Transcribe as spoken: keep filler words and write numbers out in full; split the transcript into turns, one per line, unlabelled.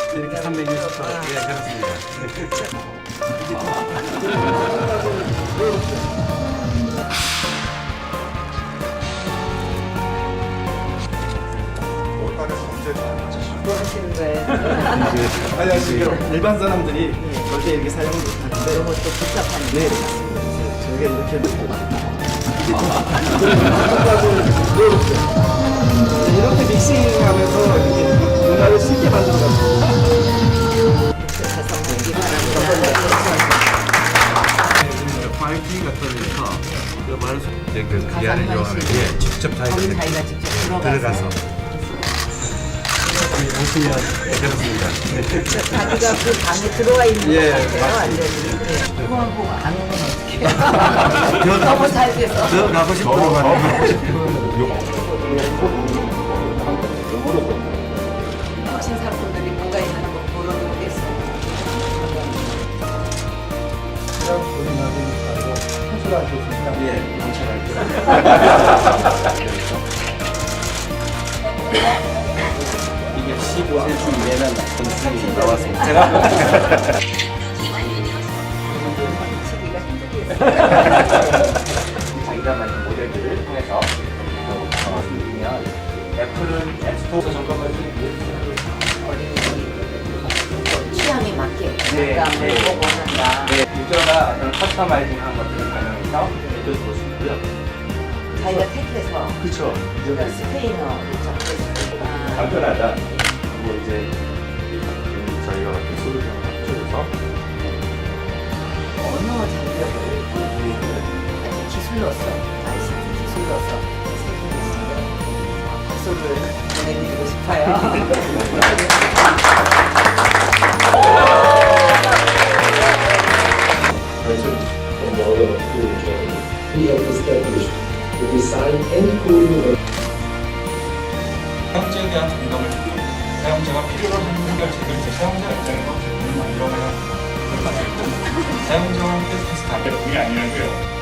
이렇게 삼백육십 도. 예, 그렇습니다.
뭐 하시는 거예요?
아니 지금 일반 사람들이 절대 이렇게 사용을 못하는데
너무 또 복잡하니까.
네 저희가 이렇게 놓고 이렇게 믹싱하면서 이렇게 문화를 쉽게 만들어가지고
가서 먹기 바랍니다.
파이팅 같은 데서 그 말을 이제 그 귀하를 요하는 게 직접 자기가
거기
이렇게
자기가 직접 들어가서.
들어가서 보시면 그렇습니다.
자기가 그 방에 들어와 있는
예,
것 같아요.
맞습니다.
완전히. 그거만 보고 안 오면 어떡해요? 너무 잘 돼서.
더 가고 싶어.
훔친 사람들이 뭐가 있는 거 보러 오겠어요.
예 경찰할 이게 십오 센티미터 이내는 점수이 나왔습니다. 제가
치기가 힘들겠어요.
자기가 만든 모델들을 통해서 말씀드리면 애플은 앱스토어 점검을
취향에 맞게
네,
내가
네.
뭐 원한다.
네, 유저가 어떤 커스터마이징한 것들을 반영해서 애플 볼 수 있고요.
자기가 택해서
그렇죠.
그러니까 스페인어 적고 아,
간편하다. 뭐 이제 저희가 같은 소리를 합쳐서
언어 장벽을 보여주는 아주 기술로서 아이씨티 기술로서 박수를 보내드리고 싶어요.
and order of future, we have established the design and coding of
사용자에 대한 공감을 듣고 사용자가 필요로 하는 해결책을 제 사용자 입장에서 만들어가야 합니다. 사용자와 함께 테스트하는 게 아니라고요.